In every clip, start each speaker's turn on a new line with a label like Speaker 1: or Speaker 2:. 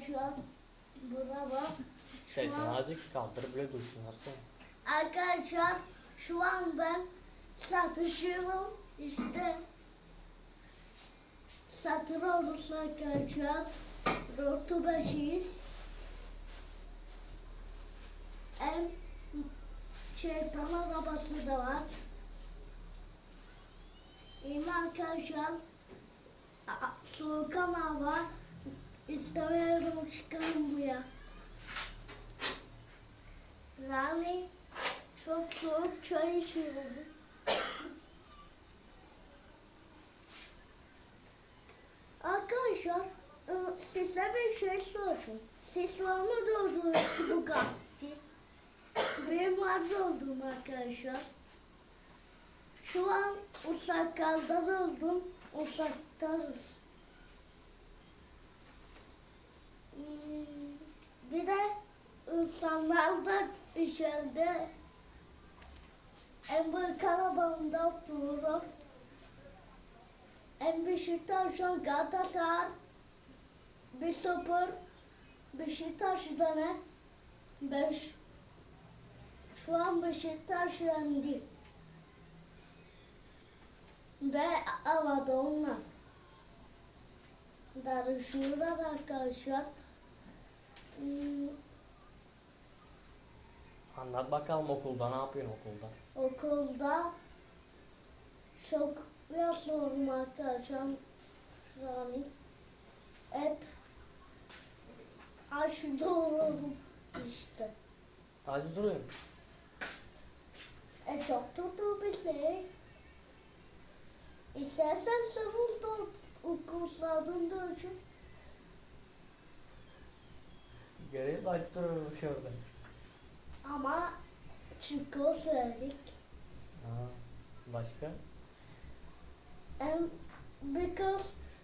Speaker 1: arkadaşlar. Buna bak.
Speaker 2: Sesini azıcık kaldır bile dursun Hasan.
Speaker 1: Arkadaşlar şu an ben satışıyorum. İşte satın olursa arkadaşlar. Rotubaşıyız. En şeytan arabası da var. İyi mi arkadaşlar? Soğuk ama var. İstemiyorum çıkalım buraya. Yani çok soğuk çay içiyorum. Arkadaşlar size bir şey soracağım. Siz var mı doldunuz Bugatti? Benim var doldum arkadaşlar. Şu an Usakkal'da doldum. Usak'tarız. Bir de insanlar da içeride en büyük arabamda otururum. En Beşiktaş'ın Galatasaray 1-0 Beşiktaş'da ne? 5. Şu an Beşiktaş yendi. Ve havada onlar. Darışıyorlar arkadaşlar.
Speaker 2: Anlat bakalım okulda ne yapıyorsun okulda?
Speaker 1: Okulda çok yazıyorum arkadaşlar. Yani hep aşırı olurum işte.
Speaker 2: Acı duruyorum.
Speaker 1: Çok tuttu bir şey. İstersen savunda okullardan da açın.
Speaker 2: Göreyim acı duruyorum şurada.
Speaker 1: Ama çikolata söyledik.
Speaker 2: Ha, başka?
Speaker 1: Because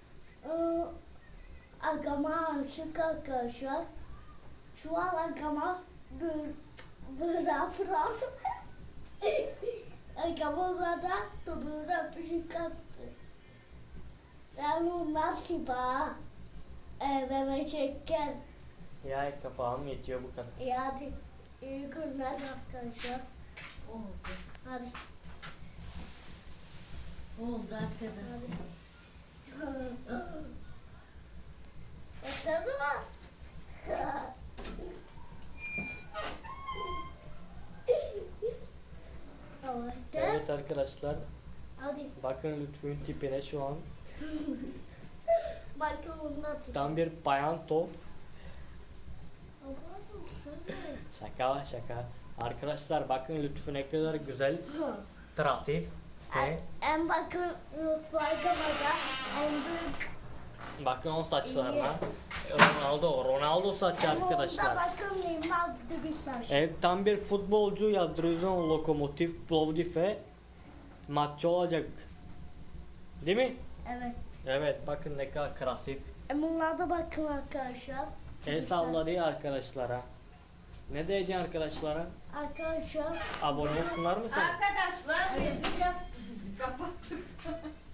Speaker 1: agama açık arkadaşlar. Şu an agama böyle yapılan. Agama da böyle öpücük attı. Ben bu nasıl bağ? Bana çeker.
Speaker 2: Ya kapağım yetiyor bu kadar.
Speaker 1: Hadi iyi günler arkadaşlar.
Speaker 3: Oldu.
Speaker 1: Hadi.
Speaker 3: Oldu arkadaşlar.
Speaker 1: Bakalım mı?
Speaker 2: Evet arkadaşlar.
Speaker 1: Hadi.
Speaker 2: Bakın Lütfü'nün tipine şu an.
Speaker 1: Bakın onunla
Speaker 2: Tam bir bayan top. Şaka şaka. Arkadaşlar bakın Lütfü ne kadar güzel. Trafik. Ve
Speaker 1: En bakın mutfağımda en büyük.
Speaker 2: bakın o saçlarına. Ronaldo saçı
Speaker 1: Burada
Speaker 2: arkadaşlar.
Speaker 1: bakın Neymar gibi bir saç.
Speaker 2: Evet tam bir futbolcu yazdırıyorsun Lokomotiv Plovdiv'e maçı olacak. Değil mi?
Speaker 1: Evet.
Speaker 2: Evet bakın ne kadar krasif.
Speaker 1: Bunlara da bakın arkadaşlar.
Speaker 2: El salladı arkadaşlara. Ne diyeceksin arkadaşlara?
Speaker 1: Arkadaşlar.
Speaker 2: Abone olsunlar mı sen?
Speaker 3: Arkadaşlar rezil yaptı bizi kapattık.